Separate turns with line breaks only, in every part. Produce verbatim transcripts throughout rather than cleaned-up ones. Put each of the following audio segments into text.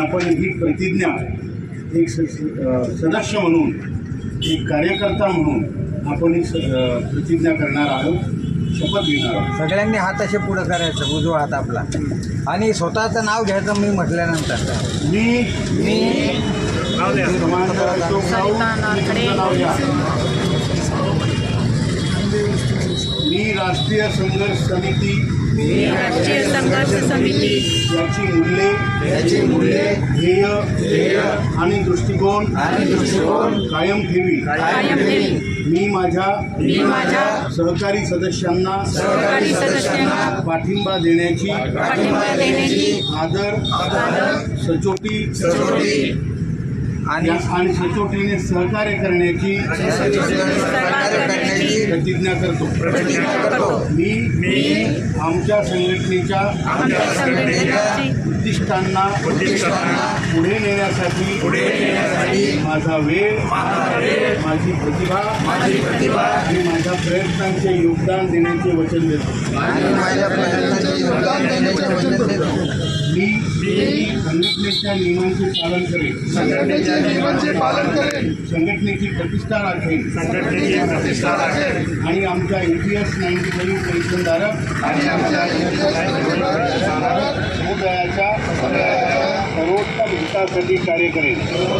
आपण ही प्रतिज्ञा एक स सदस्य म्हणून, एक कार्यकर्ता म्हणून आपण ही प्रतिज्ञा करणार आहोत, शपथ घेणार आहोत.
सगळ्यांनी हात असे पुढं करायचं, उजवा हात आपला, आणि स्वतःचं नाव घ्यायचं. मी म्हटल्यानंतर
मी
मी
मी राष्ट्रीय संघर्ष समिती
राष्ट्रीय संघर्ष समिती
याची मूल्ये
याची मूल्ये
ध्येय
ध्येय
आणि दृष्टिकोन
आणि दृष्टिकोन
कायम ठेवी.
कायम ठेवी.
मी माझ्या
मी माझ्या
सहकारी सदस्यांना
सहकारी सदस्यांना
पाठिंबा देण्याची
पाठिंबा देण्याची
आदर
आदर
सचोटी
सचोटी आणि
आणि सचोटीने सहकार्य करण्याची
सहकार्य करण्याची
प्रतिज्ञा करतो.
प्रतिज्ञा करतो.
मी मी आमच्या संघटनेच्या
आमच्या संघटनेची
उद्दिष्टांना
उद्दिष्टांना
पुढे नेण्यासाठी
पुढे नेण्यासाठी
माझा वेळ माझी प्रतिभा
माझी प्रतिभा
आणि माझ्या प्रयत्नांचे योगदान देण्याचे वचन देतो.
आणि माझ्या प्रयत्नांचे योगदान देण्याचे वचन देतो.
मी संघटनेच्या नियमांचे पालन करेन.
संघटनेच्या नियमांचे पालन करेन.
संघटनेची प्रतिष्ठा राखेन.
संघटनेची प्रतिष्ठा राखेन.
आणि आमच्या A P S ninety five पेन्शनधारक
आणि आमच्या
समुदायाच्या सर्वोत्तम हितासाठी कार्य करेन.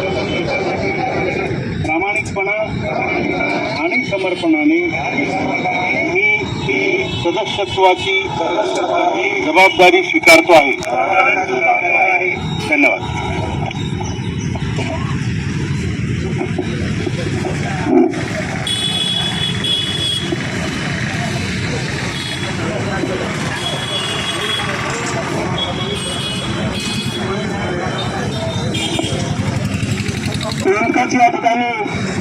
प्रामाणिकपणा आणि समर्पणाने मी सदस्यत्वाची जबाबदारी स्वीकारतो आहे. धन्यवाद.
या ठिकाणी